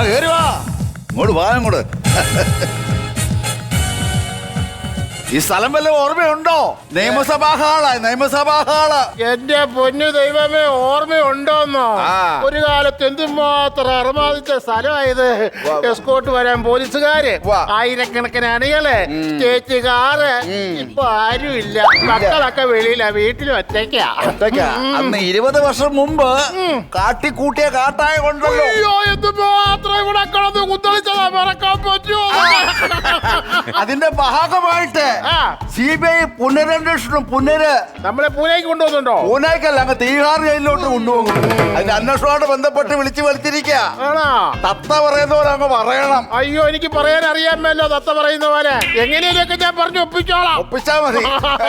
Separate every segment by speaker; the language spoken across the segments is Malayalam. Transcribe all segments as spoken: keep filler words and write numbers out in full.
Speaker 1: കേറി വാ, ഇങ്ങോട്ട് വാ ഇങ്ങോട്ട്. ഈ സ്ഥലം വല്ല ഓർമ്മയുണ്ടോ? നിയമസഭാ ഹാളാ, നിയമസഭാ ഹാള്.
Speaker 2: എന്റെ പൊന്നു ദൈവമേ, ഓർമ്മയുണ്ടോന്നോ? ഒരു കാലത്ത് എന്തുമാത്രം അർമാദിച്ച സ്ഥലമായത്. എസ്കോട്ട് വരാൻ പോലീസുകാര്, ആയിരക്കണക്കിന് അണികള്, സ്റ്റേറ്റ് കാറ്. ഇപ്പൊ ആരും ഇല്ല. മക്കളൊക്കെ വെളിയിലാ, വീട്ടിലും ഒറ്റയ്ക്കാ.
Speaker 1: അന്ന് ഇരുപത് വർഷം മുമ്പ് കാട്ടിക്കൂട്ടിയ കാട്ടായ കൊണ്ടല്ലോ.
Speaker 2: അയ്യോ, എന്തുമാത്രം ഇവിടെ കിടന്ന് കുത്തളിച്ചതാ, മറക്കാൻ പറ്റുമോ?
Speaker 1: അതിന്റെ ഭാഗമായിട്ട് സി ബി ഐ പുനരന്വേഷണം പുനര്
Speaker 2: നമ്മളെ പൂനെക്ക് കൊണ്ടുപോകുന്നുണ്ടോ?
Speaker 1: പൂനെക്കല്ല, അങ്ങ് തീഹാർ ജയിലിലോട്ട് കൊണ്ടുപോകും. അതിന്റെ അന്വേഷണമായിട്ട് ബന്ധപ്പെട്ട് വിളിച്ചു വലിച്ചിരിക്കുക. തത്ത പറയുന്ന പോലെ അങ്ങ് പറയണം.
Speaker 2: അയ്യോ, എനിക്ക് പറയാൻ അറിയാമല്ലോ തത്ത പറയുന്ന പോലെ. എങ്ങനെയൊക്കെ ഞാൻ പറഞ്ഞു ഒപ്പിച്ചോളാം.
Speaker 1: ഒപ്പിച്ചാ മതി.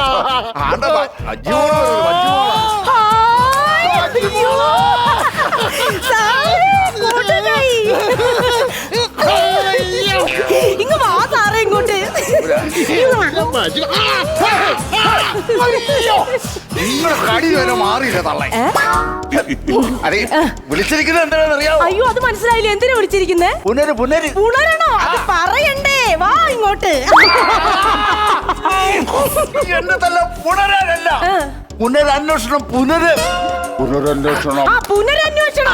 Speaker 3: ഇങ്ങ് വാ സാറേ ഇങ്ങോട്ട്.
Speaker 1: നിങ്ങളുടെ കടി വരെ മാറിയില്ല തള്ളേ. അതെ, വിളിച്ചിരിക്കുന്നത് എന്താണെന്ന് അറിയാമോ?
Speaker 3: അയ്യോ, അത് മനസ്സിലായില്ല. എന്തിനാ വിളിച്ചിരിക്കുന്നേ?
Speaker 1: പുനര് പുനര്
Speaker 3: പുനരണോ? അത് പറയണ്ടേ. വാ ഇങ്ങോട്ട്.
Speaker 1: എന്നെ തല്ല പുനരല്ല, പുനരന്വേഷണം. പുനര് പുനരന്വേഷണം.
Speaker 3: ആ പുനരന്വേഷണം.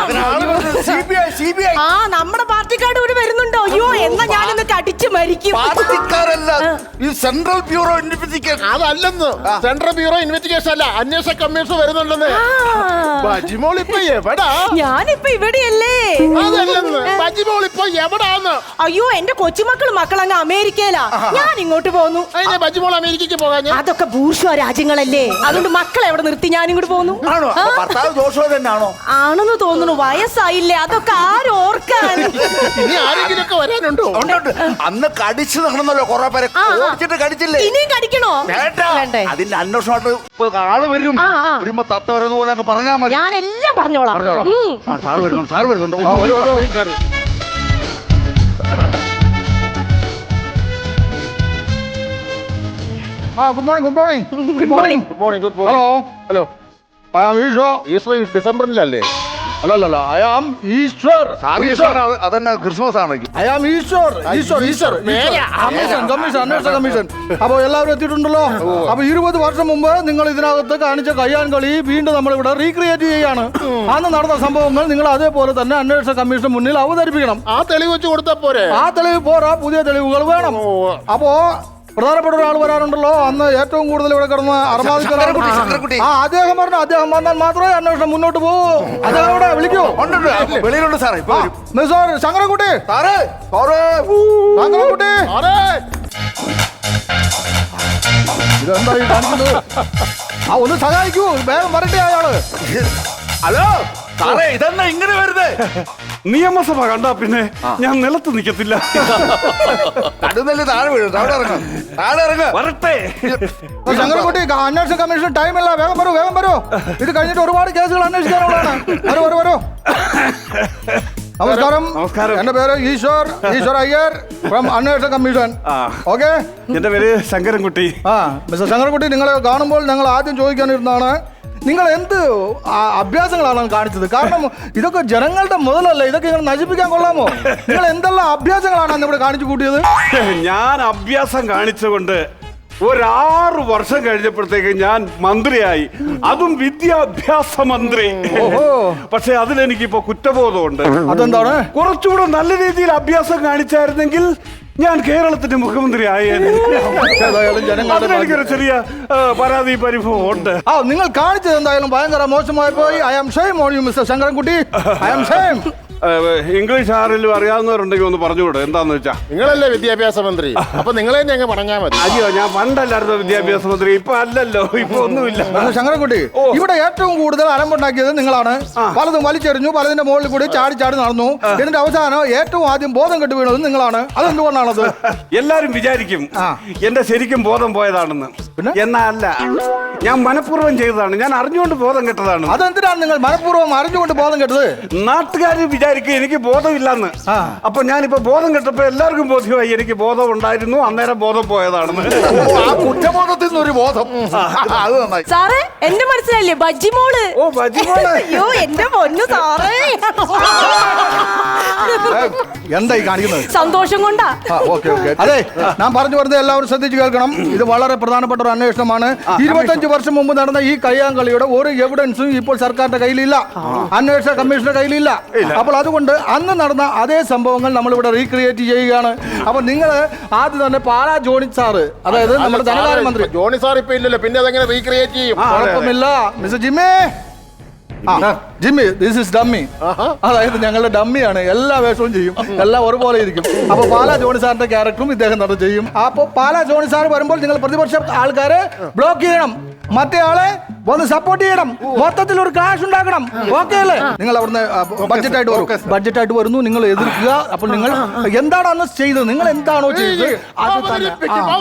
Speaker 1: ആ
Speaker 3: നമ്മുടെ പാർട്ടിക്കാട് ഇവിടെ വരുന്നുണ്ടോ? അയ്യോ, എന്നാ ഞാനൊന്ന് അടിച്ചു മരിക്കും.
Speaker 1: പാർട്ടിക്കാരല്ല, ഈ സെൻട്രൽ ബ്യൂറോ ഇൻവെസ്റ്റിഗേഷൻ.
Speaker 2: അതല്ലെന്ന്, സെൻട്രൽ ബ്യൂറോ ഇൻവെസ്റ്റിഗേഷൻ അല്ല, അന്വേഷണ കമ്മീഷൻ വരുന്നുണ്ടെന്ന്. ബജിമോൾ ഇപ്പൊ എവിടാ?
Speaker 3: ഞാനിപ്പോ ഇവിടെയല്ലേ.
Speaker 2: അതല്ലെന്ന്, ബജിമോൾ ഇപ്പൊ എവിടാന്ന്?
Speaker 3: അയ്യോ, എന്റെ കൊച്ചുമക്കൾ മക്കളങ്ങ് അമേരിക്കയിലാ. ഞാൻ ഇങ്ങോട്ട് പോന്നു.
Speaker 2: അതിനെ ബജിമോൾ അമേരിക്കക്ക് പോകാൻ?
Speaker 3: അതൊക്കെ ബൂർഷ്വാ രാജ്യങ്ങളല്ലേ, അതുകൊണ്ട് മക്കളെ എവിടെ നിർത്തി ഞാൻ ഇങ്ങോട്ട് പോന്നു. ആണെന്ന് തോന്നുന്നു. വയസ്സായില്ലേ, അതൊക്കെ ആരും ഓർക്കാൻ.
Speaker 2: ഇനി ആരെങ്കിലും ഒക്കെ വരാനുണ്ടോ?
Speaker 1: അന്ന് കടിച്ചു നടന്നല്ലോ കുറെ പേരെ. കടിച്ചില്ലേ?
Speaker 3: ഇനിയും കടിക്കണോ?
Speaker 1: വേണ്ടേ, അതിന്റെ അന്വേഷണമായിട്ട് ആള് വരും. വരുമ്പോ തത്ത വരുന്ന പോലെ പറഞ്ഞാ മതി.
Speaker 3: ഞാൻ എല്ലാം പറഞ്ഞോളാം.
Speaker 1: സാറ് വരുന്നുണ്ട്, സാറ് വരുന്നുണ്ട്.
Speaker 2: Good morning, good morning, good morning, good morning, good morning. Hello hello. I am Eshwar. Eshwar ഡിസംബറിലല്ലേ? അല്ലല്ല, ഐ ആം ഈശ്വർ.
Speaker 1: അതന്നെ ക്രിസ്മസ് ആണ്.
Speaker 2: I am Eshwar. Eshwar Eshwar commission commission അന്വേഷണ കമ്മീഷൻ. അപ്പൊ എല്ലാവരും എത്തിയിട്ടുണ്ടല്ലോ. അപ്പൊ ഇരുപത് വർഷം മുമ്പ് നിങ്ങൾ ഇതിനകത്ത് കാണിച്ച കയ്യാൻ കളി വീണ്ടും നമ്മളിവിടെ റീക്രിയേറ്റ് ചെയ്യാണ്. അന്ന് നടന്ന സംഭവങ്ങൾ നിങ്ങൾ അതേപോലെ തന്നെ അന്വേഷണ കമ്മീഷൻ മുന്നിൽ അവതരിപ്പിക്കണം. ആ തെളിവ് വെച്ച് കൊടുത്താൽ പോരെ? ആ തെളിവ് പോരാ, പുതിയ തെളിവുകൾ വേണം. അപ്പോ പ്രധാനപ്പെട്ട ഒരാൾ വരാറുണ്ടല്ലോ, അന്ന് ഏറ്റവും കൂടുതൽ ഇവിടെ കിടന്ന് അർമാദിച്ച ആ അദ്ദേഹം പറഞ്ഞു, അദ്ദേഹം വന്നാൽ മാത്രമേ അന്വേഷണം മുന്നോട്ട് പോകൂ. അദ്ദേഹം ഇവിടെ വിളിക്കൂ.
Speaker 1: വെളിയിലുണ്ട് സാറേ.
Speaker 2: മിസ്റ്റർ ശങ്കരൻകുട്ടി. ശങ്കരൻകുട്ടി, ഇതെന്തായി കാണിക്കുന്നത്? ആ ഒന്ന് സഹായിക്കൂ, വേഗം വരട്ടെ അയാള്.
Speaker 1: ഹലോ സാറേ, ഇതെന്നാ ഇങ്ങനെ വരുന്നത്?
Speaker 4: നിയമസഭ കണ്ടാ പിന്നെ ഞാൻ നിലത്ത് നിൽക്കത്തില്ല.
Speaker 1: കടുന്നല് താഴെ വീഴും. താഴെ ഇറങ്ങും, താഴെ ഇറങ്ങും.
Speaker 4: വരട്ടെ.
Speaker 2: ശങ്കരൻകുട്ടി, അന്വേഷണ കമ്മീഷൻ ടൈമില്ല, വേഗം വരൂ, വേഗം വരൂ. ഇത് കഴിഞ്ഞിട്ട് ഒരുപാട് കേസുകൾ അന്വേഷിക്കാനുള്ളതാണ്. വരൂ വരൂ വരൂ. നമസ്കാരം.
Speaker 4: നമസ്കാരം.
Speaker 2: എന്റെ പേര് ഈശ്വർ, ഈശ്വർ അയ്യർ ഫ്രം അന്വേഷണ കമ്മീഷൻ. ഓക്കെ,
Speaker 4: എന്റെ പേര് ശങ്കരൻകുട്ടി.
Speaker 2: ആ മിസ്റ്റർ ശങ്കരൻകുട്ടി, നിങ്ങളെ കാണുമ്പോൾ ഞങ്ങൾ ആദ്യം ചോദിക്കാനിരുന്നതാണ്, നിങ്ങൾ എന്ത് അഭ്യാസങ്ങളാണ് കാണിച്ചത്? കാരണം ഇതൊക്കെ ജനങ്ങളുടെ മുതലല്ല, ഇതൊക്കെ ഇങ്ങനെ നശിപ്പിക്കാൻ കൊള്ളാമോ? നിങ്ങൾ എന്തെല്ലാം അഭ്യാസങ്ങളാണ് അന്ന് ഇവിടെ കാണിച്ചു കൂട്ടിയത്?
Speaker 4: ഞാൻ അഭ്യാസം കാണിച്ചുകൊണ്ട് ഒരാറ് വർഷം കഴിഞ്ഞപ്പോഴത്തേക്ക് ഞാൻ മന്ത്രിയായി, അതും വിദ്യാഭ്യാസ മന്ത്രി. പക്ഷെ അതിലെനിക്കിപ്പോ കുറ്റബോധമുണ്ട്.
Speaker 2: അതെന്താണ്?
Speaker 4: കുറച്ചുകൂടെ നല്ല രീതിയിൽ അഭ്യാസം കാണിച്ചായിരുന്നെങ്കിൽ ഞാൻ കേരളത്തിന്റെ മുഖ്യമന്ത്രി ആയേനെ. അതിലെനിക്കൊരു ചെറിയ പരാതി പരിഭവം ഉണ്ട്.
Speaker 2: ആ, നിങ്ങൾ കാണിച്ചത് എന്തായാലും ഭയങ്കര മോശമായി പോയി. I am shame on you mister Sankarankutty. I am shame.
Speaker 4: English ആരെങ്കിലും അറിയാവുന്നവരുണ്ടെങ്കിൽ ഒന്ന് പറഞ്ഞുകൂടെ, എന്താന്ന് വെച്ചാ?
Speaker 2: നിങ്ങളല്ലേ വിദ്യാഭ്യാസ മന്ത്രി, അപ്പൊ നിങ്ങളെ അങ്ങ് പറഞ്ഞാൽ മതി.
Speaker 4: അയ്യോ, ഞാൻ പണ്ടല്ലായിരുന്നു വിദ്യാഭ്യാസ മന്ത്രി, ഇപ്പൊ അല്ലല്ലോ, ഇപ്പൊ ഒന്നുമില്ല.
Speaker 2: ശങ്കരൻകുട്ടി, ഇവിടെ ഏറ്റവും കൂടുതൽ അലമ്പുണ്ടാക്കിയത് നിങ്ങളാണ്. പലതും വലിച്ചെറിഞ്ഞു, പലതിന്റെ മുകളിൽ കൂടി ചാടി ചാടി നടന്നു. ഇതിന്റെ അവസാനം ഏറ്റവും ആദ്യം ബോധം കെട്ടു വീണത് നിങ്ങളാണ്. അതെന്തുകൊണ്ടാണത്?
Speaker 4: എല്ലാരും വിചാരിക്കും എന്റെ ശരിക്കും ബോധം പോയതാണെന്ന്. എന്നാ അല്ല, ഞാൻ മനഃപൂർവ്വം ചെയ്തതാണ്. ഞാൻ അറിഞ്ഞുകൊണ്ട് ബോധം കെട്ടതാണ്.
Speaker 2: അതെന്തിനാണ് നിങ്ങൾ മനഃപൂർവ്വം അറിഞ്ഞുകൊണ്ട് ബോധം കെട്ടത്?
Speaker 4: നാട്ടുകാർ വിചാരിക്കും എനിക്ക് ബോധമില്ലെന്ന്. അപ്പൊ ഞാനിപ്പോ ബോധം കിട്ടപ്പോ എല്ലാവർക്കും ബോധ്യമായി എനിക്ക് ബോധം ഉണ്ടായിരുന്നു, അന്നേരം ബോധം പോയതാണെന്ന്.
Speaker 1: ആ കുറ്റബോധത്തിൽ നിന്നൊരു ബോധം. അത് നന്നായി.
Speaker 3: സാറേ എന്റെ മനസ്സിലല്ലേ ബജ്ജിമോള്.
Speaker 4: ഓ ബജിമോള്.
Speaker 3: അയ്യോ എന്റെ പൊന്നു സാറേ.
Speaker 2: എന്തായി കാണിക്കുന്നത്?
Speaker 3: സന്തോഷം കൊണ്ടാ.
Speaker 2: Okay okay. അതെ, ഞാൻ പറഞ്ഞു വരുന്നത് എല്ലാവരും ശ്രദ്ധിച്ചു കേൾക്കണം. ഇത് വളരെ പ്രധാനപ്പെട്ട ഒരു അന്വേഷണമാണ്. ഇരുപത്തഞ്ച് വർഷം മുമ്പ് നടന്ന ഈ കയ്യാങ്കളിയുടെ ഒരു എവിഡൻസും ഇപ്പോൾ സർക്കാരിന്റെ കയ്യിലില്ല, അന്വേഷണ കമ്മീഷന്റെ കയ്യിലില്ല. അപ്പോൾ അതുകൊണ്ട് അന്ന് നടന്ന അതേ സംഭവങ്ങൾ നമ്മളിവിടെ റീക്രിയേറ്റ് ചെയ്യുകയാണ്. അപ്പൊ നിങ്ങൾ ആദ്യം തന്നെ പാലാ ജോണി സാറ്, അതായത് നമ്മുടെ ധനകാര്യമന്ത്രി
Speaker 5: ജോണി സാർ ഇപ്പൊ ഇല്ലല്ലോ, പിന്നെ അതെങ്ങനെ റീക്രിയേറ്റ് ചെയ്യും?
Speaker 2: കുഴപ്പമില്ല mister Jimmy. Jimmy, this is dummy. അതായത് ഞങ്ങളുടെ ഡമ്മിയാണ്, എല്ലാ വേഷവും ചെയ്യും, എല്ലാം ഒരുപോലെ ഇരിക്കും. അപ്പൊ പാലാ ജോണി സാറിന്റെ ക്യാരക്ടറും ഇദ്ദേഹം നടന്നു ചെയ്യും. അപ്പൊ പാലാ ജോണി സാർ വരുമ്പോൾ നിങ്ങൾ പ്രതിപക്ഷ ആൾക്കാരെ ബ്ലോക്ക് ചെയ്യണം, മറ്റേ ആളെ ഒന്ന് സപ്പോർട്ട് ചെയ്യണം, മൊത്തത്തിൽ ഒരു ക്ലാഷ് ഉണ്ടാക്കണം. ഓക്കെ അല്ലേ? നിങ്ങൾ അവിടുന്ന് ബഡ്ജറ്റ് ആയിട്ട് വരും, ബഡ്ജറ്റ് ആയിട്ട് വരുന്നു, നിങ്ങൾ എതിർക്കുക. അപ്പോൾ നിങ്ങൾ എന്താണ് അന്ന് ചെയ്തത്, നിങ്ങൾ എന്താണോ ചെയ്തത് അത് തന്നെ.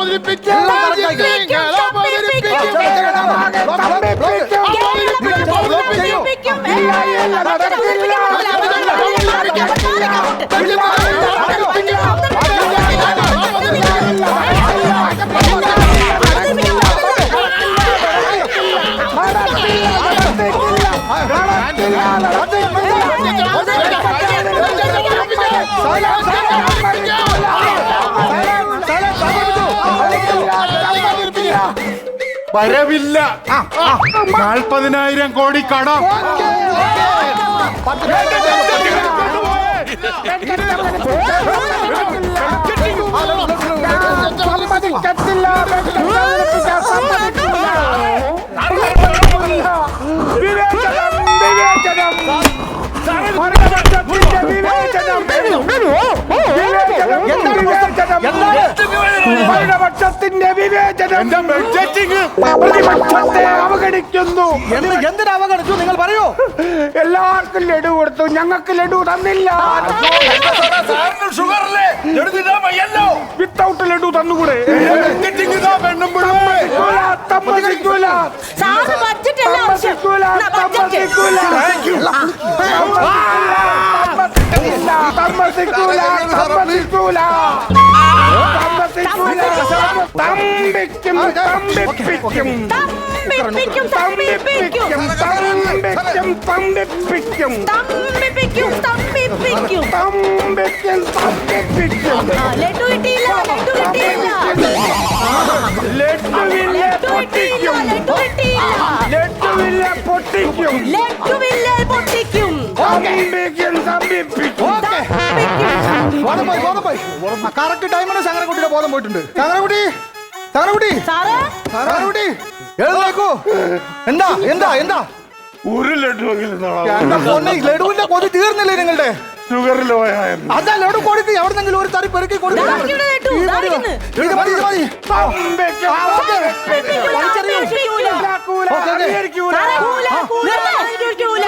Speaker 5: വരവില്ല. നാൽപ്പതിനായിരം കോടി കടം.
Speaker 4: ഭരണപക്ഷത്തിന്റെ വിവേചനം പ്രതിപക്ഷത്തെ അവഗണിക്കുന്നു.
Speaker 2: എന്തിനാ അവഗണിച്ചു നിങ്ങൾ പറയൂ?
Speaker 4: എല്ലാവർക്കും ലഡു കൊടുത്തു, ഞങ്ങൾക്ക് ലഡു തന്നില്ല. വിത്തൗട്ട് ലഡു തന്നുകൂടെ? തമ്പിക്കും തമ്പിപ്പിക്കും തമ്പിപ്പിക്കും തമ്പിപ്പിക്കും തമ്പിപ്പിക്കും തമ്പിപ്പിക്കും തമ്പിപ്പിക്കും തമ്പിപ്പിക്കും തമ്പിക്കും തമ്പിപ്പിക്കും.
Speaker 3: ലഡു കിട്ടിയില്ല, ലഡു കിട്ടിയില്ല,
Speaker 4: ലഡുവില്ല പൊട്ടിക്കും, ലഡുവില്ല പൊട്ടിക്കും,
Speaker 3: ലഡുവില്ല പൊട്ടിക്കും,
Speaker 4: തമ്പിക്കും തമ്പിപ്പിക്കും.
Speaker 2: കറക്റ്റ് ടൈമാണ് ചങ്ങരക്കുട്ടിയുടെ ബോധം പോയിട്ടുണ്ട്. ചങ്ങരക്കുട്ടി, ചങ്ങരക്കുട്ടി,
Speaker 3: സാറേ
Speaker 2: ചങ്ങരക്കുട്ടി എഴുന്നേക്കൂ. എന്താ എന്താ എന്താ
Speaker 4: ഒരു ലഡുവെങ്കിലും
Speaker 2: ലഡുവിന്റെ കൊതി തീർന്നില്ലേ നിങ്ങളുടെ?
Speaker 4: ഷുഗർ ലോ ആയിരുന്നു.
Speaker 2: അതാ ലഡു കൊടുത്ത് എവിടെന്നെങ്കിലും ഒരു തരി പെരുക്കി കൊടുക്കും.
Speaker 3: ദാ ഇവിടെ ലഡു, ദാ ഇരിക്കുന്നു.
Speaker 2: ഇത് മതി, ഇത് മതി.
Speaker 4: തമ്പിക്കും
Speaker 3: തമ്പിപ്പിക്കും, തമ്പിപ്പിക്കൂല. സാറേ, കൂല, കൂല, തമ്പിപ്പിക്കൂല.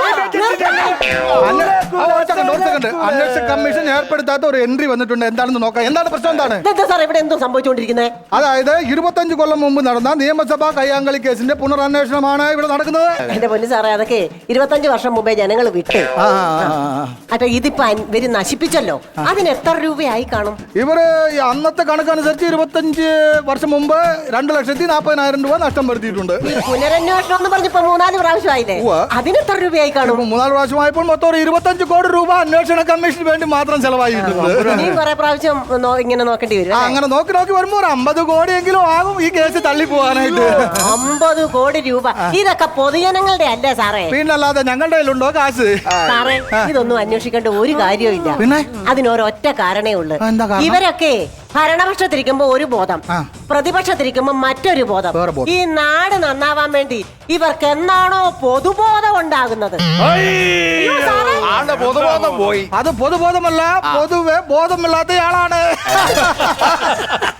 Speaker 2: അന്വേഷണ കമ്മീഷൻ ഏർപ്പെടുത്താത്ത ഒരു എൻട്രി വന്നിട്ടുണ്ട്. എന്താണെന്ന് നോക്കാം. എന്താണ് പ്രശ്നം? എന്താണ്
Speaker 3: എന്താ സാർ ഇവിടെ എന്തോ സംഭവിച്ചുകൊണ്ടിരിക്കുന്നത്?
Speaker 2: അതായത് ഇരുപത്തഞ്ച് കൊല്ലം മുമ്പ് നടന്ന നിയമസഭാ കയ്യാങ്കളി കേസിന്റെ പുനരന്വേഷണമാണ് ഇവിടെ നടക്കുന്നത്.
Speaker 6: എന്റെ പൊന്നു സാറേ, അതൊക്കെ ഇരുപത്തഞ്ച് വർഷം മുമ്പേ ജനങ്ങൾ വിട്ടു. അപ്പൊ ഇതിപ്പോ ഇവര് നശിപ്പിച്ചല്ലോ, അതിന് എത്ര രൂപയായി കാണും?
Speaker 2: ഇവര് ഈ അന്നത്തെ കണക്കനുസരിച്ച് ഇരുപത്തഞ്ച് വർഷം മുമ്പ് രണ്ട് ലക്ഷത്തി നാപ്പതിനായിരം രൂപ നഷ്ടം വരുത്തിയിട്ടുണ്ട്.
Speaker 6: പുനരന്വേഷണം എന്ന് പറഞ്ഞപ്പോ മൂന്നാല് പ്രാവശ്യമായില്ലേ, അതിന് എത്ര രൂപയായി കാണും?
Speaker 2: ഇപ്പൊ മൂന്നാല് പ്രാവശ്യമായപ്പോൾ മൊത്തം ഒരു ഇരുപത്തഞ്ച് കോടി രൂപ അന്വേഷണ കമ്മീഷന് വേണ്ടി മാത്രം ചെലവായിട്ടുണ്ട്.
Speaker 6: ഇനിയും കുറെ പ്രാവശ്യം നോ- ഇങ്ങനെ നോക്കേണ്ടി വരും
Speaker 2: ആ,
Speaker 6: അല്ലേ?
Speaker 2: അങ്ങനെ നോക്കി നോക്കി വരുമ്പോ ഒരു അമ്പത് കോടിയെങ്കിലും ആകും ഈ കേസ് തള്ളി പോകാനായിട്ട്.
Speaker 6: അമ്പത് കോടി രൂപ, ഇതൊക്കെ പൊതുജനങ്ങളുടെ അല്ലേ സാറേ?
Speaker 2: പിന്നല്ലാതെ ഞങ്ങളുടെ കയ്യിലുണ്ടോ കാശ്?
Speaker 6: സാറേ, ഇതൊന്നും അന്വേഷിക്കേണ്ട ഒരു കാര്യവും ഇല്ല.
Speaker 2: പിന്നെ?
Speaker 6: അതിനൊരൊറ്റ കാരണേ ഉള്ളു.
Speaker 2: എന്താ കാരണം?
Speaker 6: ഇവരൊക്കെ ഭരണപക്ഷത്തിരിക്കുമ്പോ ഒരു ബോധം,
Speaker 2: ആ.
Speaker 6: പ്രതിപക്ഷത്തിരിക്കുമ്പോ മറ്റൊരു ബോധം.
Speaker 2: വേറെ ബോധം.
Speaker 6: ഈ നാട് നന്നാവാൻ വേണ്ടി ഇവർക്ക് എന്നാണോ പൊതുബോധം ഉണ്ടാകുന്നത്?
Speaker 1: ആളുടെ പൊതുബോധം പോയി.
Speaker 2: അത് പൊതുബോധമല്ല, പൊതുവെ ബോധമില്ലാത്തയാളാണ്.